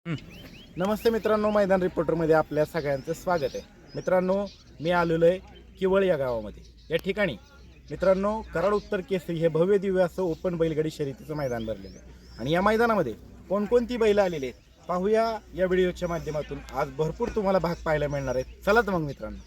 नमस्ते मित्रांनो, मैदान रिपोर्टरमध्ये आपल्या सगळ्यांचं स्वागत आहे. मित्रांनो, मी आलेलो आहे किवळ या गावामध्ये. या ठिकाणी मित्रांनो कराड उत्तर केसरी हे भव्य दिव्य असं ओपन बैलगाडी शर्यतीचं मैदान भरलेलं आहे. आणि या मैदानामध्ये कोणकोणती बैलं आलेली आहेत पाहूया या व्हिडिओच्या माध्यमातून. आज भरपूर तुम्हाला भाग पाहायला मिळणार आहेत. चला तर मग मित्रांनो.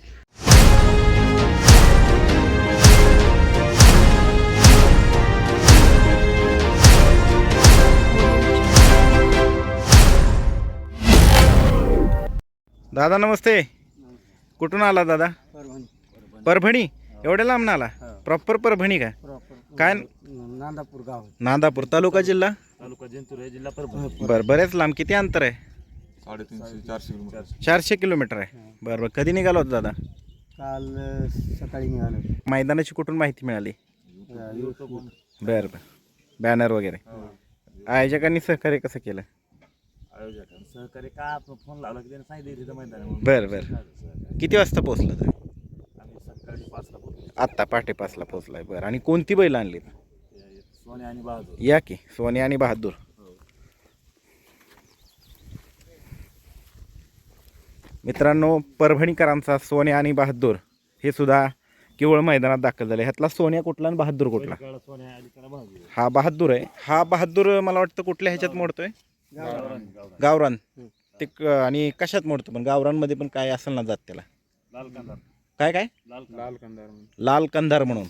दादा नमस्ते. कुठून आला दादा? परभणी. एवढ्या लांब आला? प्रॉपर परभणी का? काय? नांदापूर गाव. नांदापूर तालुका जिल्हा जिंतूर जिल्हा परभणी. बरं, बरेच लांब. किती अंतर आहे? 350-400 किलोमीटर. 400 किलोमीटर आहे. बरं बरं. कधी निघाला होता दादा? काल सकाळी निघालो. मैदानाची कुठून माहिती मिळाली? बरं बरं. बॅनर वगैरे. आयोजकांनी सहकार्य कसं केलं? सहकारी का फोन लावला की त्याने सांगितलं तिथं मैदान. बरं बरं. किती वाजता पोहोचला तुम्ही? आम्ही सकाळी 5ला पोहोचलो. आत्ता पहाटे 5ला पोहोचलाय. बरं. आणि कोणती बैल आणली? सोने आणि बहादूर. या की सोने आणि बहादूर. मित्रांनो, परभणीकरांचा सोने आणि बहादूर हे सुद्धा केवळ मैदानात दाखल झाले. ह्यातला सोन्या कुठला आणि बहादूर कुठला? हा बहादूर आहे. हा बहादूर मला वाटतं कुठल्या ह्याच्यात मोडतोय? गावरान. ते आणि कशात मोडतो? पण गावरानमध्ये पण काय असेल ना जात त्याला? काय काय? लाल कंधार म्हणून.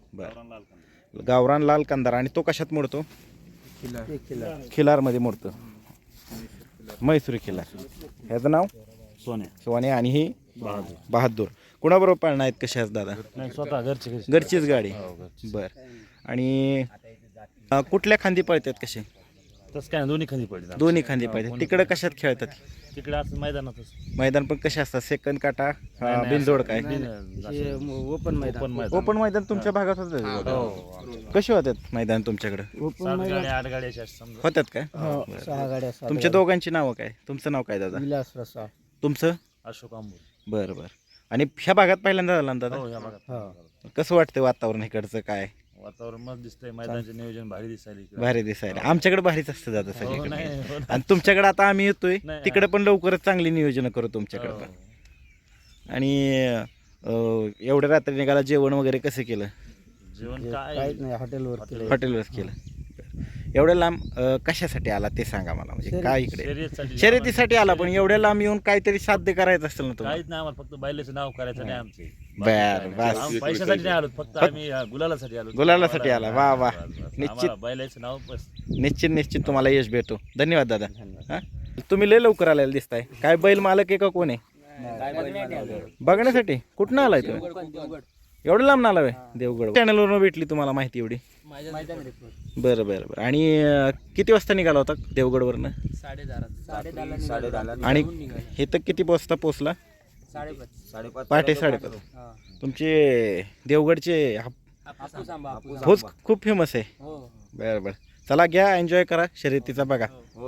बरं. गावरान लाल कंधार. आणि तो कशात मोडतो? खिलारमध्ये मोडतो. म्हैसूरी खिलार. ह्याचं नाव सोने आणि ही बहादूर. कुणाबरोबर पाळणार आहेत? कशा आहेत दादा? स्वतः घरचीच गाडी. बरं. आणि कुठल्या खांदी पळतात? कसे? तसं काय दोन्ही खाली पडले. दोन्ही खांदी पळतात. तिकडे कशात खेळतात? तिकडे असं मैदानातच. मैदान पण कसे असतात? सेकंड काटा, बिनजोड काय? ओपन मैदान. ओपन मैदान तुमच्या भागात होतं? कसे होतात मैदान तुमच्याकडे? 7 गाड्या होतात काय? 6 गाड्या. तुमच्या दोघांची नावं काय? तुमचं नाव काय दादा? विलास रसा. तुमचं? अशोक आंबोर. बरं बरं. आणि ह्या भागात पहिल्यांदा झाला ना दादा? हो, या भागात. कसं वाटतं वातावरण इकडचं? काय वातावरण मस्त दिसतंय. मैदानाचे नियोजन भारी दिसायला. भारी दिसायला. आमच्याकडे भारीच असतं दादा हो, सगळीकडे. नाही, हो. आणि तुमच्याकडे आता आम्ही येतोय नाही, तिकडे पण लवकरच चांगली नियोजन करू तुमच्याकडे हो. पण. आणि एवढ्या रात्री निघाला जेवण वगैरे कसं केलं? जेवण काय नाही, हॉटेलवर हॉटेलवरच केलं. एवढ्या लांब कशासाठी आला ते सांगा मला. म्हणजे काय इकडे शर्यतीसाठी. शर्यतीसाठी आला? पण एवढ्या लांब येऊन काहीतरी साध्य करायचं असेल ना तुम्हाला? काहीच नाही आम्हाला, फक्त बैलाचं नाव करायचं नाही आमचे. बरं, बस. आम्ही पैशासाठी नाही आलो, फक्त आम्ही गुलालासाठी आलो. गुलालासाठी आला. वा वा. निश्चित आम्हाला बैलाचं नाव बस. निश्चित तुम्हाला यश भेटो. धन्यवाद दादा. हा, तुम्ही लय लवकर आलेला दिसताय. काय बैल मालक आहे का कोण आहे? बघण्यासाठी. कुठनं आलाय तुम्ही? एवढं लांब ना आलाय? देवगड चॅनलवरून भेटली तुम्हाला माहिती एवढी? बरं बरं बरं. आणि किती वाजता निघाला होता देवगडवरनं? 10:30. आणि हे तर किती वाजता पोचला? 5:30. पहाटे 5:30. तुमचे देवगडचे भोज खूप फेमस आहे. बरं बरं. चला घ्या, एन्जॉय करा शर्यतीचा. बघा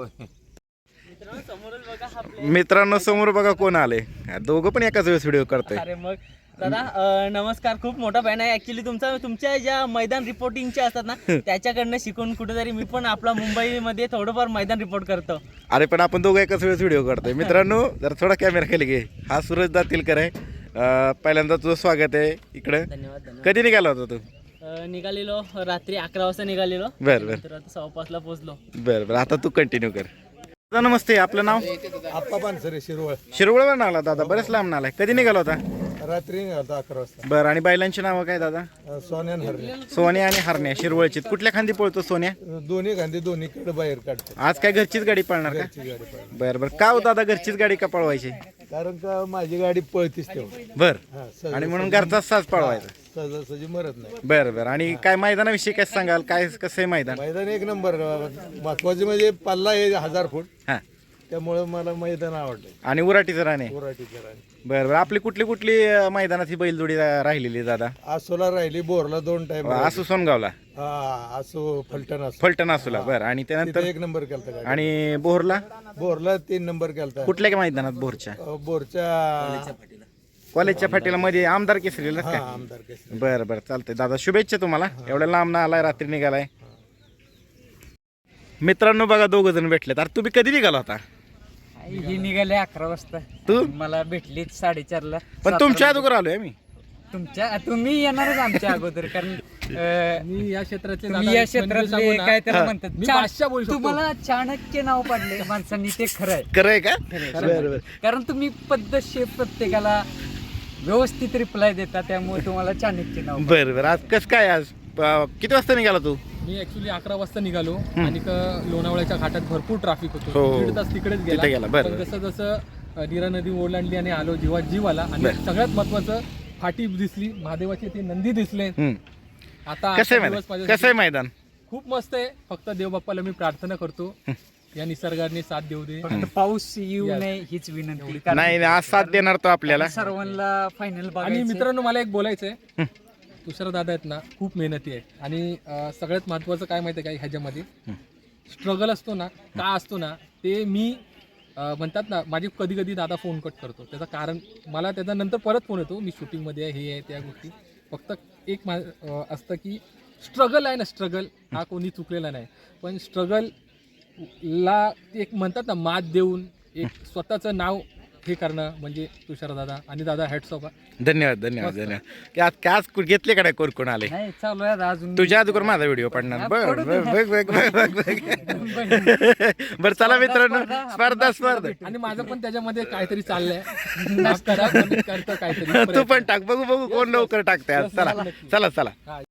मित्रांनो, समोर बघा कोण आले. दोघं पण एकाच वेळेस व्हिडिओ करतोय. अरे मग दादा नमस्कार. खूप मोठा फॅन आहे ऍक्च्युली तुमच्या ज्या मैदान रिपोर्टिंगचे असतात ना त्याच्याकडनं शिकून कुठेतरी मी पण आपला मुंबईमध्ये थोडंफार मैदान रिपोर्ट करतो. अरे पण आपण दोघं एकाच वेळेस व्हिडिओ करतोय. मित्रांनो, जर थोडा कॅमेरा खाली घे. हा सूरज दातीलकर आहे. पहिल्यांदा तुझं स्वागत आहे इकडं. धन्यवाद. कधी निघाला होता तू? निघालेलो रात्री 11 वाजता निघालेलो. बरं बरं. तर आता 5:15ला पोहोचलो. बरं बरं. आता तू कंटिन्यू कर. दादा नमस्ते. आपलं नाव? आप्पा पानसरे, शिरवळ. शिरवळवर आला दादा? बरेच लांब आलाय. कधी निघाला होता? रात्री निघालतो 11 वाजता. बरं. आणि बैलांची नावं काय दादा? सोन्यान हरणे. सोन्या आणि हरण्या. शिरवळची. कुठल्या खांदी पळतो सोन्या? दोन्ही गांधी दोन्हीकडे बाहेर काढतो. आज काय घरचीच गाडी पळणार का? ती गाडी पळते. बरं बरं. का हो दादा घरचीच गाडी का पळवायची? कारण का माझी गाडी पळतीच तेव्हा. बरं. आणि म्हणून घरचाच साज पळवायचा. सहजासहजी मरत नाही. बरं बरं. आणि काय मैदानाविषयी काय सांगाल? काय कसं आहे मैदान? मैदान एक नंबर. महत्वाचे म्हणजे पल्ला हे 1000 फूट. हां. त्यामुळे मला मैदान आवडलं. आणि उराटीचं राणे. उराटीचं राणी. बरं बरं. आपली कुठली कुठली मैदानात ही बैलजोडी राहिलेली दादा? आसोला राहिली, बोरला 2 टाइम. आसू सोनगावला. आसो फलटण असो. फलटण आसूला. बरं. आणि त्यानंतर एक नंबर केलता गाडी. आणि बोरला? बोरला 3 नंबर केलता. कुठल्या मैदानात? बोरच्या बोरच्या कॉलेजच्या फाटीला मध्ये आमदार केसरीला काय? आमदार केसरी. बरं बरं. चालतंय दादा. शुभेच्छा तुम्हाला. एवढ्या लांब ना आलाय, रात्री निघालाय. मित्रांनो बघा, 2 जण भेटलेत. अरे तुम्ही कधी निघाला होता? ही निघाले 11 वाजता. तू मला भेटली 4:30ला. पण तुमच्या अगोदर आलोय मी. तुम्ही येणारच आमच्या अगोदर कारण मी या क्षेत्रातले तुम्ही दादा या एक म्हणजे क्षेत्रातले सांगू ना, काय त्याला हा. म्हणतात मी बादशाह बोलू शकतो. तुम्हाला चाणक्य नाव पाडले माणसांनी ते खरं आहे. खरंय का? खरंय. बरं बरं. कारण तुम्ही पद्धतशीर प्रत्येकाला व्यवस्थित रिप्लाय देता त्यामुळे तुम्हाला चाणक्य नाव बरं बरं. आज कसं काय आज किती वाजता निघाला तू? मी ऍक्च्युली 11 वाजता निघालो आणि लोणावळ्याच्या घाटात भरपूर ट्रॅफिक होतो. हो. 1.5 तास तिकडेच तिथे गेला, बरं, पण बरं. जसं जसं नीरा नदी ओलांडली आणि आलो जीवात जीव आला आणि बरं. सगळ्यात महत्वाचं फाटी दिसली, महादेवाचे ते नंदी दिसले. हम्म. आता कसं आहे आजचा दिवस मैदान? माझ्यासाठी कसं आहे मैदान? खूप मस्त आहे. फक्त देवबाप्पाला मी प्रार्थना करतो या निसर्गाने साथ देऊ दे. फक्त पाऊस येऊ Yes. नये हीच विनंती. कारण नाही नाही, आज साथ देणार तो आपल्याला. सर्वांना फायनल आणि बघायचं. मित्रांनो मला एक बोलायचंय, तुषार दादा आहेत ना खूप मेहनती आहे आणि सगळ्यात महत्वाचं काय माहिती आहे का ह्याच्यामध्ये स्ट्रगल असतो ना का असतो ना ते मी म्हणतात ना माझी कधी कधी दादा फोन कट करतो. त्याचं कारण मला त्याचा नंतर परत फोन येतो, मी शूटिंगमध्ये आहे, हे आहे त्या गोष्टी. फक्त एक असतं की स्ट्रगल आहे ना, स्ट्रगल हा कोणी चुकलेला नाही, पण स्ट्रगलला एक म्हणतात ना मात देऊन एक स्वतःचं नाव हे करणं म्हणजे तुषार दादा आणि दादा हॅट्स ऑफ. धन्यवाद धन्यवाद धन्यवाद. की आज काय आज घेतले का नाही कोण आले? नाही चालू आहे अजून. तुझ्या अगोदर माझा व्हिडिओ पडणार. बघ बघ बघ बघ बघ. बरं चला मित्रांनो, स्पर्धा आणि माझं पण त्याच्यामध्ये काहीतरी चाललंय. माफ करा, पण मी करतो काहीतरी तू पण टाक, बघू बघू कोण लवकर टाकते आज. चला चला चला.